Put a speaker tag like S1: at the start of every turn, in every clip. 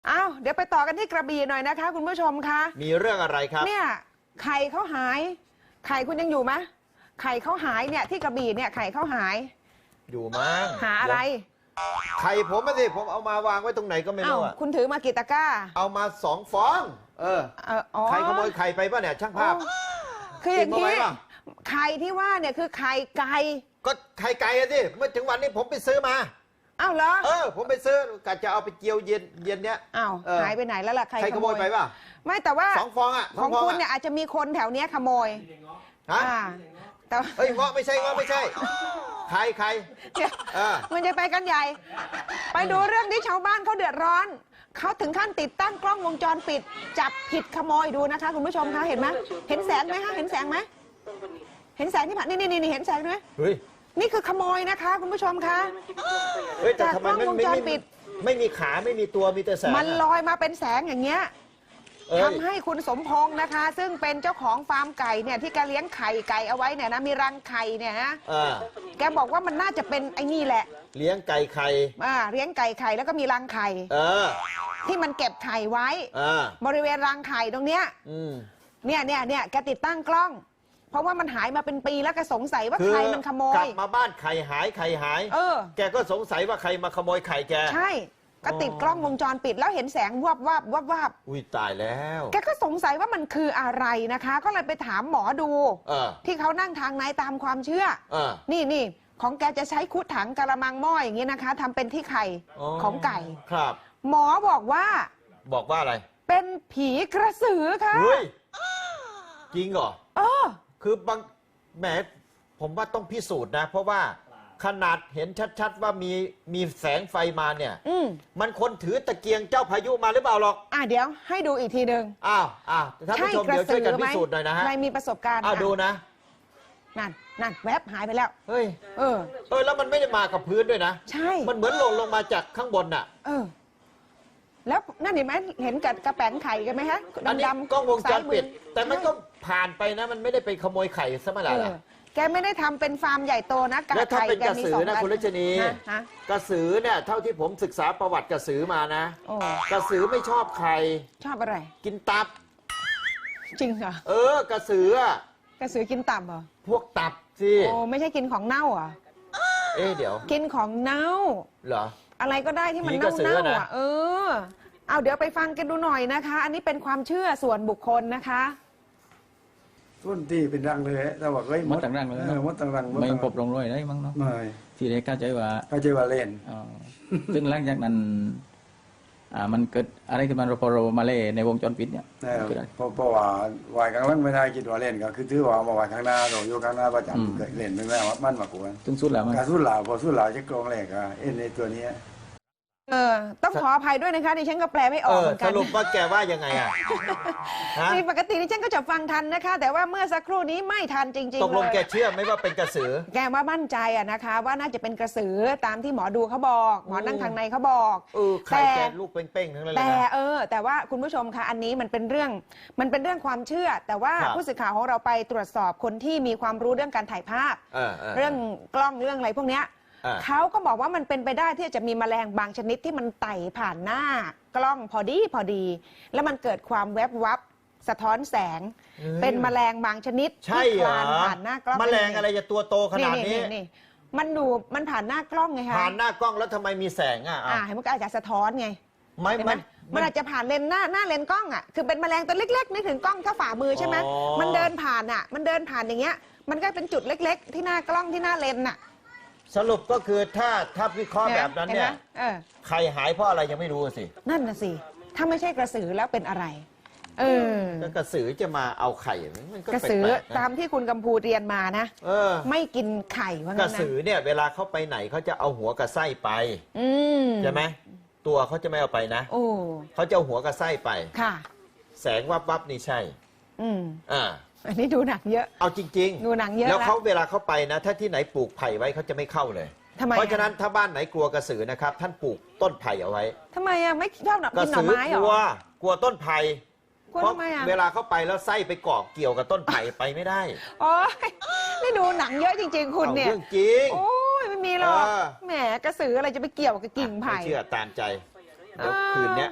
S1: อ้าวเดี๋ยวไปต่อกันที่กระบี่หน่อยนะคะคุณผู้ชมคะ
S2: มีเรื่องอะไรครับ
S1: เนี่ยไข่เขาหายไข่คุณยังอยู่ไหมไข่เขาหายเนี่ยที่กระบี่เนี่ยไข่เขาหาย
S2: อยู่มั้ง
S1: หาอะไร
S2: ไข่ผมไม่สิผมเอามาวางไว้ตรงไหนก็ไม่รู้
S1: คุณถือมากี่ตะกร้า
S2: เอามา2 ฟองใครขโมยไข่ไปป่ะเนี่ยช่างภาพ
S1: คืออย่างนี้ไข่ที่ว่าเนี่ยคือไข่ไก่
S2: ก็ไข่ไก่สิเมื่อถึงวันนี้ผมไปซื้อมา
S1: อ้าวเหรอ
S2: ผมไปซื้อกะจะเอาไปเจียวเย็นเนี้ย
S1: อ้าวหายไปไหนแล้วล่ะใคร
S2: ขโมยไปป่ะ
S1: ไม่แต่ว่า
S2: 2 ฟองอ่ะ
S1: ของคุณเนี่ยอาจจะมีคนแถวเนี้ยขโมย
S2: ฮะ
S1: แต่
S2: เฮ้ยง้อไม่ใช่ใคร
S1: มันจะไปกันใหญ่ไปดูเรื่องที่ชาวบ้านเขาเดือดร้อนเขาถึงขั้นติดตั้งกล้องวงจรปิดจับผิดขโมยดูนะคะคุณผู้ชมคะเห็นไหมเห็นแสงไหมคะเห็นแสงไหมเห็นแสงที่ผ่านนี่เห็นแสงไหม
S2: เฮ้ย
S1: นี่คือขโมยนะคะคุณผู้ชมคะ
S2: จากกล้องวงจรปิดไม่มีขาไม่มีตัวมีแต่แสง
S1: มันลอยมาเป็นแสงอย่างเงี้ยทำให้คุณสมพงษ์นะคะซึ่งเป็นเจ้าของฟาร์มไก่เนี่ยที่แกเลี้ยงไข่ไก่เอาไว้เนี่ยนะมีรังไข่เนี่ยนะแกบอกว่ามันน่าจะเป็นไอ้นี่แหละ
S2: เลี้ยงไก่ไข่
S1: เลี้ยงไก่ไข่แล้วก็มีรังไข่ที่มันเก็บไข่ไว้บริเวณรังไข่ตรงเนี้ยเนี่ยแกติดตั้งกล้องเพราะว่ามันหายมาเป็นปีแล้วแกสงสัยว่าใครมันขโมย
S2: กลับมาบ้านไข่หายแกก็สงสัยว่าใครมาขโมยไข่แก
S1: ใช่ก็ติดกล้องวงจรปิดแล้วเห็นแสงวับ
S2: อุ้ยตายแล้ว
S1: แกก็สงสัยว่ามันคืออะไรนะคะก็เลยไปถามหมอดูที่เขานั่งทางไหนตามความเชื่อนี่ของแกจะใช้คุดถังกะละมังหม้ออย่างนี้นะคะทำเป็นที่ไข่ของไก่
S2: ครับ
S1: หมอบอกว่า
S2: อะไร
S1: เป็นผีกระสือค่ะ
S2: เฮ้ยจริงเหรอคือบางแหมผมว่าต้องพิสูจน์นะเพราะว่าขนาดเห็นชัดๆว่ามีแสงไฟมาเนี่ยมันคนถือตะเกียงเจ้าพายุมาหรือเปล่าหรอก
S1: เดี๋ยวให้ดูอีกทีหนึ่ง
S2: ท่านผู้ชมเดี๋ยวช่วยกันพิสูจน์หน่อยนะฮะ
S1: ใครมีประสบการณ์
S2: ดูนะ
S1: นั่นแวบหายไปแล้ว
S2: เฮ้ยแล้วมันไม่ได้มากับพื้นด้วยนะ
S1: ใช่
S2: มันเหมือนหล่นลงมาจากข้างบนน่ะ
S1: แล้วนั่นเห็นไหมเห็นกระแป้งไข่กันไหมฮะ
S2: ดำๆกล้องวงจรปิดแต่มันก็ผ่านไปนะมันไม่ได้ไปขโมยไข่ซะเมื่อไหร่ล่ะ
S1: แกไม่ได้ทำเป็นฟาร์มใหญ่โตนะ
S2: แล้วถ้าเป็นกระสือนะคุณรัชนีกระสือเนี่ยเท่าที่ผมศึกษาประวัติกระสือมานะกระสือไม่ชอบไข่
S1: ชอบอะไร
S2: กินตับ
S1: จริงเหร
S2: อกระสือก
S1: ระสือกินตับเหรอ
S2: พวกตับสิ
S1: ไม่ใช่กินของเน่าอ่ะ
S2: เดี๋ยว
S1: กินของเน่า
S2: เหรอ
S1: อะไรก็ได้ที่มันเน่าเอาเดี๋ยวไปฟังกันดูหน่อยนะคะอันนี้เป็นความเชื่อส่วนบุคคลนะคะ
S3: ส่วนที่เป็นรังเลยแต่ว่า
S4: มดต่างรังเลย
S3: มดต่างรัง
S4: ไม่ปบลงร้อยได้มั้งเนาะ
S3: ไม่
S4: ที่ได้เข้าใจว่า
S3: เล่น
S4: ซึ่งหลังจากนั้นมันเกิดอะไรขึ้นมาพอเรามาเล่ในวงจรปิดเนี่ย
S3: เพราะว่าวายกลางวันไม่ได้คิดว่าเล่นก็คือถือว่ามาว่ายข้างหน้าเราอยู่ข้างหน้าประจำเกิดเล่นไม่แม่ว่ามันมากกว่า
S4: ซึ่งสุดแล้ว
S3: การสุดหล่าพอสุดหล่าจะกรองแหลกในตัวนี้
S1: ต้องขออภัยด้วยนะคะดิฉันก็แปลไม่ออกเหมือนกัน
S2: สรุปว่าแกว่ายังไง
S1: นี่ปกติดิฉันก็จะฟังทันนะคะแต่ว่าเมื่อสักครู่นี้ไม่ทันจริงๆ
S2: ตกลงแกเชื่อไหมว่าเป็นกระสือ
S1: แกว่ามั่นใจนะคะว่าน่าจะเป็นกระสือตามที่หมอดูเขาบอกหมอนั่งทางในเขาบอก
S2: ไข่แกลูกเป้งๆทั้งนั้นเลย
S1: นะแต่ว่าคุณผู้ชมคะอันนี้มันเป็นเรื่องความเชื่อแต่ว่าผู้สื่อข่าวของเราไปตรวจสอบคนที่มีความรู้เรื่องการถ่ายภาพเรื่องกล้องเรื่องอะไรพวกเนี้ยเขาก็บอกว่ามันเป็นไปได้ที่จะมีแมลงบางชนิดที่มันไต่ผ่านหน้ากล้องพอดีแล้วมันเกิดความแวบวับสะท้อนแสงเป็นแมลงบางชนิด
S2: ที่
S1: คลานผ่านหน้ากล้อง
S2: แมลงอะไรจะตัวโตขนาดนี้
S1: มันผ่านหน้ากล้องไงคะ
S2: ผ่านหน้ากล้องแล้วทำไมมีแสง
S1: มันก็อาจจะสะท้อนไงมันอาจจะผ่านเลนหน้าเลนกล้องคือเป็นแมลงตัวเล็กๆนึกถึงกล้องถ้าฝ่ามือใช่ไหมมันเดินผ่านอย่างเงี้ยมันก็เป็นจุดเล็กๆที่หน้ากล้องที่หน้าเลน
S2: สรุปก็คือถ้าวิเคราะห์แบบนั้นเนี่ยใครหายเพราะอะไรยังไม่รู้สิ
S1: นั่นน่ะสิถ้าไม่ใช่กระสือแล้วเป็นอะไร
S2: กระสือจะมาเอาไข่มันก็
S1: กระสือตามที่คุณกำพูเรียนมานะไม่กินไข่ว่างั้น
S2: กระสือเนี่ยเวลาเขาไปไหนเขาจะเอาหัวกับไส้ไปใช่ไหมตัวเขาจะไม่เอาไปนะเขาจะเอาหัวกับไส้ไป
S1: ค่ะ
S2: แสงวับนี่ใช่
S1: อันนี้ดูหนังเยอะ
S2: เอาจริง
S1: ๆดูหนังเยอะ
S2: แล้วเขาเวลาเขาไปนะถ้าที่ไหนปลูกไผ่ไว้เขาจะไม่เข้าเลยเพราะฉะนั้นถ้าบ้านไหนกลัวกระสือนะครับท่านปลูกต้นไผ่เอาไว้
S1: ทำไมไม่ชอบกินหน่อไม้หร
S2: อกลัวต้นไผ่
S1: เพราะ
S2: เวลาเขาไปแล้วไส้ไปเกาะเกี่ยวกับต้นไผ่ไปไม่ได้
S1: โอ้ยนี่ดูหนังเยอะจริงๆคุณเนี่ย
S2: เรื่องจริง
S1: โอ้ยไม่มีหรอกแหมกระสืออะไรจะไปเกี่ยวกับกิ่งไผ่
S2: เชื่อตามใจเดี๋ยวคืนนี้ไป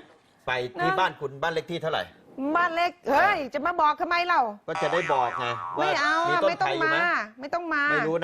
S2: ไปที่บ้านคุณบ้านเล็กที่เท่าไหร่
S1: บ้านเล็กเฮ้ยจะมาบอกทำไมเรา
S2: ก็จะได้บอกไงว่า
S1: ไม่เอา
S2: มีต้น
S1: ไม่ต้อ
S2: ไผ่
S1: ง
S2: อยู่
S1: มา
S2: ไหม
S1: ไม่ต้องมา
S2: ไม่รู้